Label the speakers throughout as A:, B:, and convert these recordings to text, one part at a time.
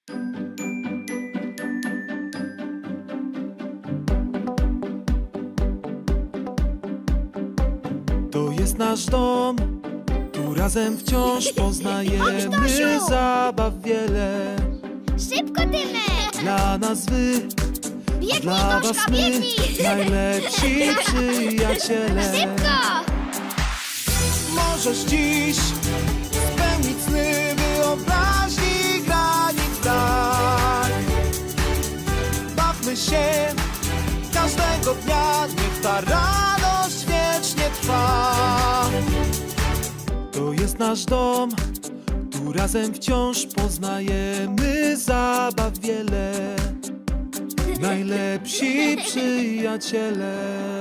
A: To jest nasz dom, tu razem wciąż poznajemy
B: Tosiu!
A: zabaw wiele.
B: Szybko, Tymek!
A: Dla nas wy,
B: Biegnij,
A: dla was
B: Toszka,
A: my,
B: biegnij!
A: najlepsi przyjaciele.
B: Szybko!
A: Możesz dziś spełnić sny wyobraźni granic brak. Bawmy się każdego dnia, niech ta radość wiecznie trwa. To jest nasz dom, tu razem wciąż poznajemy zabaw wiele. Najlepsi przyjaciele.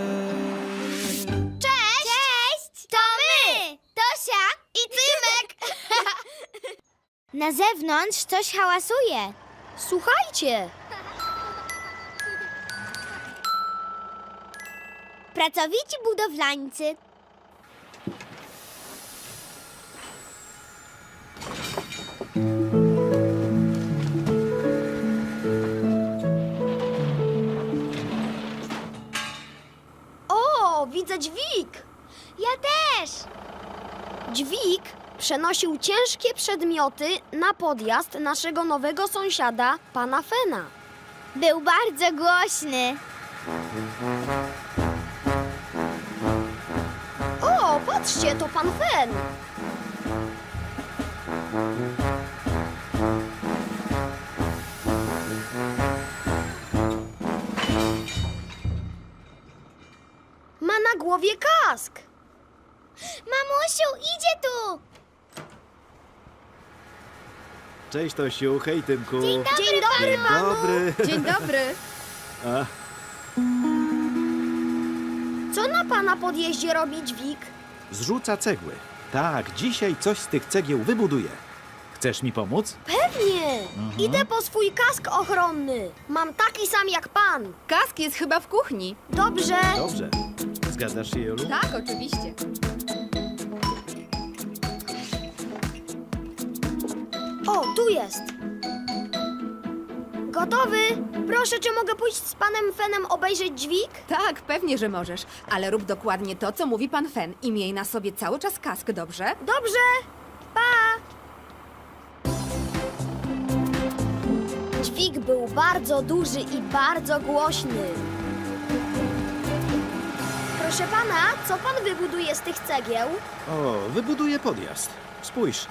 B: Cześć! Cześć! To my! Tosia i Tymek! Na zewnątrz coś hałasuje. Słuchajcie! Pracowici budowlańcy.
C: O, widzę dźwig!
B: Ja też!
C: Dźwig przenosił ciężkie przedmioty na podjazd naszego nowego sąsiada, pana Fena.
B: Był bardzo głośny.
C: O, patrzcie, to pan Fen! Ma na głowie kask!
B: Mamusiu, idzie tu!
D: Cześć Tosiu, hej Tymku.
B: Dzień dobry,
C: Dzień dobry,
D: Dzień dobry.
C: Dzień dobry!
D: A,
C: Co na pana podjeździe robi dźwig?
D: zrzuca cegły. Tak, dzisiaj coś z tych cegieł wybuduję. Chcesz mi pomóc?
C: Pewnie! Idę po swój kask ochronny. Mam taki sam jak pan.
E: Kask jest chyba w kuchni.
C: Dobrze.
D: Dobrze. Zgadzasz się, Jolu?
E: Tak, oczywiście.
C: O, tu jest. Gotowy? Proszę, czy mogę pójść z panem Fenem obejrzeć dźwig?
E: Tak, pewnie, że możesz. Ale rób dokładnie to, co mówi pan Fen i miej na sobie cały czas kask, dobrze?
C: Dobrze. Pa! Dźwig był bardzo duży i bardzo głośny. Proszę pana, co pan wybuduje z tych cegieł?
D: O, wybuduję podjazd. Spójrz.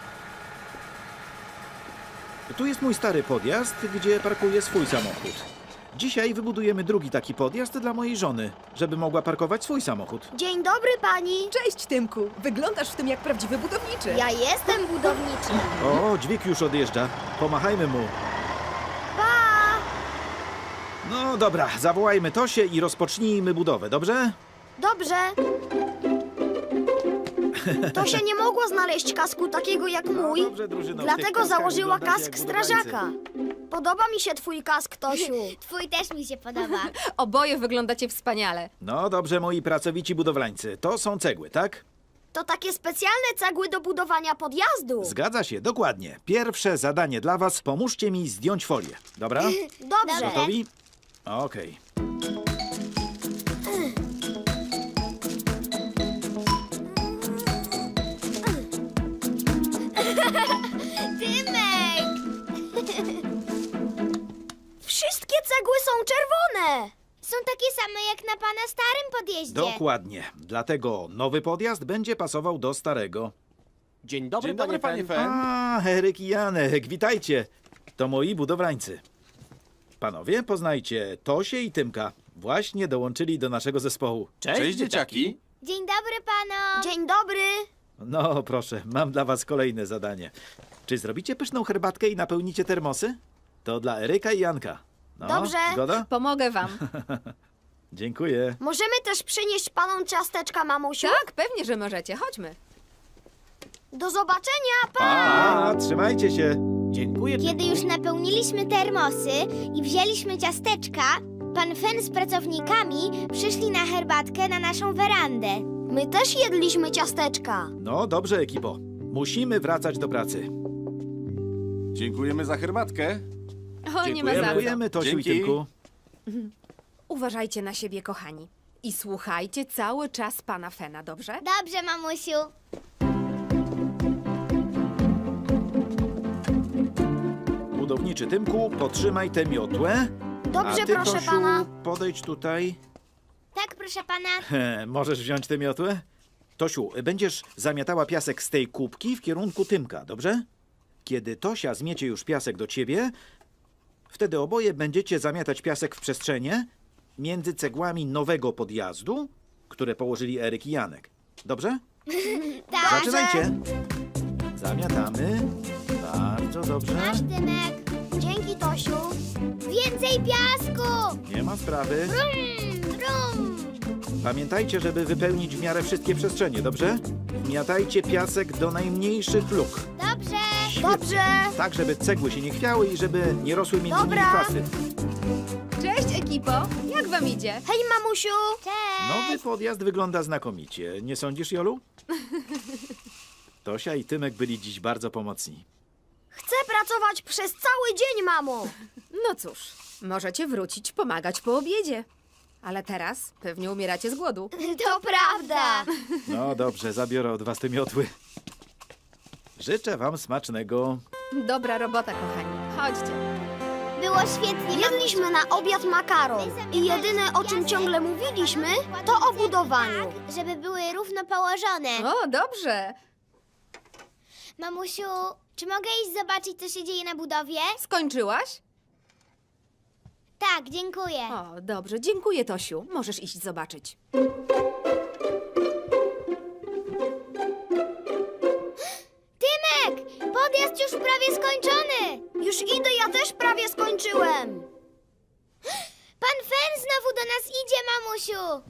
D: Tu jest mój stary podjazd, gdzie parkuję swój samochód. Dzisiaj wybudujemy drugi taki podjazd dla mojej żony, żeby mogła parkować swój samochód.
C: Dzień dobry, pani.
E: Cześć, Tymku. Wyglądasz w tym jak prawdziwy budowniczy.
C: Ja jestem budowniczy.
D: O, dźwig już odjeżdża. Pomachajmy mu.
C: Pa!
D: No dobra, zawołajmy Tosię i rozpocznijmy budowę, dobrze?
C: Dobrze. Tosia nie mogła znaleźć kasku takiego jak mój,
D: No dobrze, drużyno, w tych
C: dlatego
D: kaskach
C: założyła
D: wyglądacie
C: kask
D: jak budowlańcy.
C: strażaka. Podoba mi się twój kask, Tosiu.
B: Twój też mi się podoba.
E: Oboje wyglądacie wspaniale.
D: No dobrze, moi pracowici budowlańcy. To są cegły, tak?
C: To takie specjalne cegły do budowania podjazdu.
D: Zgadza się, dokładnie. Pierwsze zadanie dla was. Pomóżcie mi zdjąć folię. Dobra?
C: Dobrze.
B: Dobra.
D: Gotowi? Okej.
B: Tymek!
C: Wszystkie cegły są czerwone.
B: Są takie same jak na pana starym podjeździe.
D: Dokładnie. Dlatego nowy podjazd będzie pasował do starego.
F: Dzień dobry, panie Fen.
D: A, Eryk i Janek, witajcie. To moi budowlańcy. Panowie, poznajcie Tosię i Tymka. Właśnie dołączyli do naszego zespołu.
F: Cześć, dzieciaki.
B: Dzień dobry panom.
C: Dzień dobry.
D: No, proszę, mam dla was kolejne zadanie. Czy zrobicie pyszną herbatkę i napełnicie termosy? To dla Eryka i Janka. No,
C: Dobrze.
D: Zgoda?
E: Pomogę wam.
D: Dziękuję.
C: Możemy też przynieść panom ciasteczka, mamusiu?
E: Tak, pewnie, że możecie. Chodźmy.
C: Do zobaczenia, pa!
D: A, trzymajcie się.
F: Dziękuję.
B: Kiedy już napełniliśmy termosy i wzięliśmy ciasteczka, pan Fen z pracownikami przyszli na herbatkę na naszą werandę.
C: My też jedliśmy ciasteczka.
D: No dobrze, ekipo. Musimy wracać do pracy.
F: Dziękujemy za herbatkę.
E: O, nie ma za co.
D: Dziękujemy, Tosiu i
F: Dzięki.
D: Tymku.
E: Uważajcie na siebie, kochani. I słuchajcie cały czas pana Fena, dobrze?
B: Dobrze, mamusiu.
D: Budowniczy Tymku, potrzymaj tę miotłę.
C: Dobrze,
D: A ty,
C: proszę
D: Tosiu,
C: pana.
D: podejdź tutaj.
B: Tak, proszę pana.
D: Możesz wziąć tę miotłę? Tosiu, będziesz zamiatała piasek z tej kubki w kierunku Tymka, dobrze? Kiedy Tosia zmiecie już piasek do ciebie, wtedy oboje będziecie zamiatać piasek w przestrzenie między cegłami nowego podjazdu, które położyli Eryk i Janek. Dobrze?
B: Tak.
D: Zaczynajcie. Zamiatamy. Bardzo dobrze.
B: Masz, Tymek.
C: Dzięki, Tosiu.
B: Więcej piasku.
D: Nie ma sprawy.
B: Brum.
D: Pamiętajcie, żeby wypełnić w miarę wszystkie przestrzenie, dobrze? Miatajcie piasek do najmniejszych luk.
B: Dobrze.
C: Dobrze.
D: Tak, żeby cegły się nie chwiały i żeby nie rosły między nimi
C: Dobra.
D: kwasy.
E: Cześć, ekipo! Jak wam idzie?
C: Hej, mamusiu.
B: Cześć.
D: Nowy podjazd wygląda znakomicie. Nie sądzisz, Jolu? Tosia i Tymek byli dziś bardzo pomocni.
C: Chcę pracować przez cały dzień, mamo.
E: No cóż, możecie wrócić pomagać po obiedzie. Ale teraz pewnie umieracie z głodu.
B: To prawda.
D: No dobrze, zabiorę od was te miotły. Życzę wam smacznego.
E: Dobra robota, kochani. Chodźcie.
B: Było świetnie.
C: Jedliśmy na obiad makaron i jedyne, o czym ciągle mówiliśmy, to o budowaniu.
B: Tak, żeby były równo położone.
E: O, dobrze.
B: Mamusiu, czy mogę iść zobaczyć, co się dzieje na budowie?
E: Skończyłaś?
B: Tak, dziękuję.
E: O, dobrze. Dziękuję, Tosiu. Możesz iść zobaczyć.
B: Tymek, podjazd już prawie skończony.
C: Już idę, ja też prawie skończyłem.
B: Pan Fen znowu do nas idzie, mamusiu.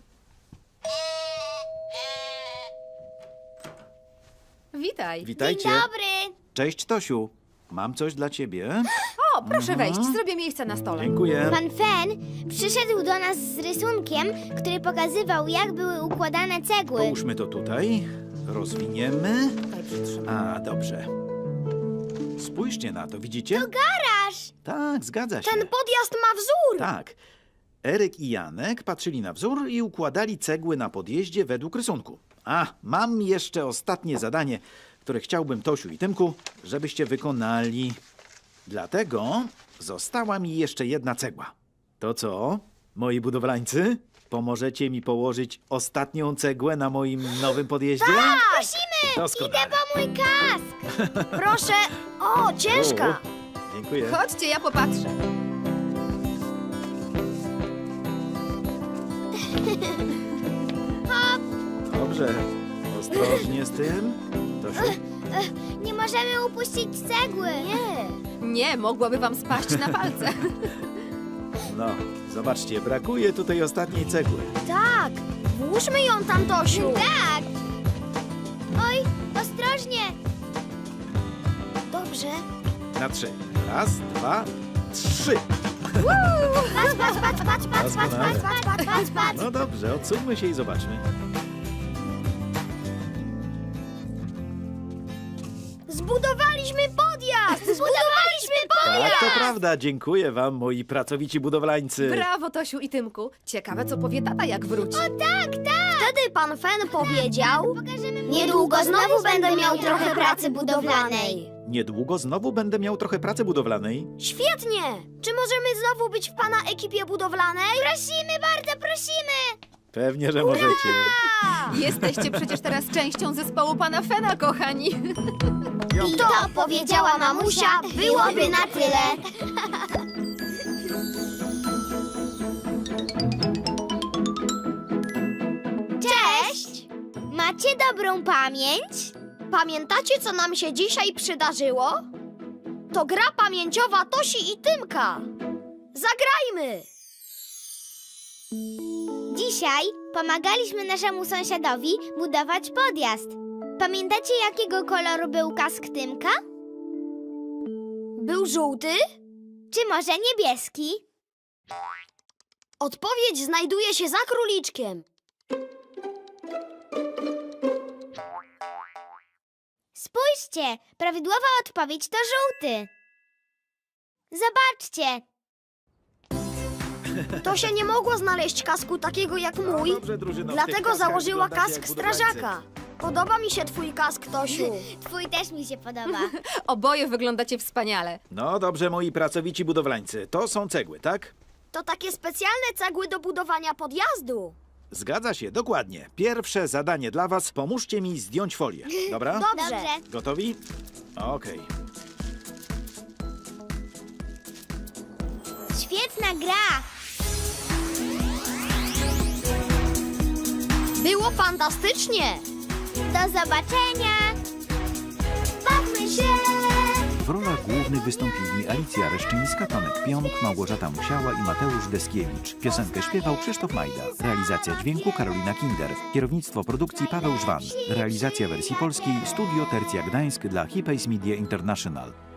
E: Witaj.
D: Witajcie.
B: Dzień dobry.
D: Cześć, Tosiu. Mam coś dla ciebie.
E: O, proszę wejść. Zrobię miejsce na stole.
D: Dziękuję.
B: Pan Fen przyszedł do nas z rysunkiem, który pokazywał, jak były układane cegły.
D: Połóżmy to tutaj. Rozwiniemy.
E: Tutaj przytrzymaj.
D: A, dobrze. Spójrzcie na to, widzicie?
B: Garaż.
D: Tak, zgadza się.
C: Ten podjazd ma wzór.
D: Tak. Eryk i Janek patrzyli na wzór i układali cegły na podjeździe według rysunku. A, mam jeszcze ostatnie zadanie, które chciałbym, Tosiu i Tymku, żebyście wykonali. Dlatego została mi jeszcze jedna cegła. To co, moi budowlańcy? Pomożecie mi położyć ostatnią cegłę na moim nowym podjeździe?
B: Prosimy.
D: Doskonale.
B: Idę po mój kask.
C: Proszę. O, ciężka.
D: Dziękuję.
E: Chodźcie, ja popatrzę.
D: Dobrze. Ostrożnie z tym. Tosiu?
B: Nie możemy upuścić cegły.
C: Nie.
E: Nie, mogłaby wam spaść na palce.
D: No, zobaczcie, brakuje tutaj ostatniej cegły.
C: Tak. Włóżmy ją tam, Tosiu.
B: Tak. Oj, ostrożnie.
C: Dobrze.
D: Na 3. Raz, 2, 3.
B: Patrz, patrz, patrz, patrz, patrz, patrz,
D: Doskonale.
B: patrz, patrz, patrz, patrz.
D: No dobrze, odsuńmy się i zobaczmy.
C: Zbudowaliśmy podjazd.
B: Zbudowaliśmy
D: Tak, to prawda. Dziękuję wam, moi pracowici budowlańcy.
E: Brawo, Tosiu i Tymku. Ciekawe, co powie tata, jak wróci.
C: Wtedy pan Fen powiedział,
B: Pokażemy mu.
C: niedługo znowu będę miał trochę pracy budowlanej.
D: Niedługo znowu będę miał trochę pracy budowlanej.
C: Świetnie. Czy możemy znowu być w pana ekipie budowlanej?
B: Prosimy, bardzo prosimy.
D: Pewnie, że możecie.
E: Jesteście przecież teraz częścią zespołu pana Fena, kochani.
B: I to powiedziała mamusia, byłoby na tyle. Cześć! Macie dobrą pamięć?
C: Pamiętacie, co nam się dzisiaj przydarzyło? To gra pamięciowa Tosi i Tymka. Zagrajmy!
B: Dzisiaj pomagaliśmy naszemu sąsiadowi budować podjazd. Pamiętacie, jakiego koloru był kask Tymka?
C: Był żółty?
B: Czy może niebieski?
C: Odpowiedź znajduje się za króliczkiem.
B: Spójrzcie, prawidłowa odpowiedź to żółty. Zobaczcie!
C: Tosia nie mogła znaleźć kasku takiego jak mój,
D: No dobrze, drużyno, w tych
C: dlatego
D: kaskach
C: założyła
D: wyglądacie
C: kask
D: jak budowlańcy.
C: strażaka. Podoba mi się twój kask, Tosiu.
B: Twój też mi się podoba.
E: Oboje wyglądacie wspaniale.
D: No dobrze, moi pracowici budowlańcy. To są cegły, tak?
C: To takie specjalne cegły do budowania podjazdu.
D: Zgadza się, dokładnie. Pierwsze zadanie dla was. Pomóżcie mi zdjąć folię. Dobra?
C: Dobrze.
B: Dobrze.
D: Gotowi? Okej.
B: Świetna gra!
C: Było fantastycznie.
B: Do zobaczenia! Bawmy się!
D: W rolach głównych wystąpili Alicja Reszczyńska, Tomek Pionk, Małgorzata Musiała i Mateusz Deskiewicz. Piosenkę śpiewał Krzysztof Majda. Realizacja dźwięku Karolina Kinder. Kierownictwo produkcji Paweł Żwan. Realizacja wersji polskiej Studio Tercja Gdańsk dla Hipays Media International.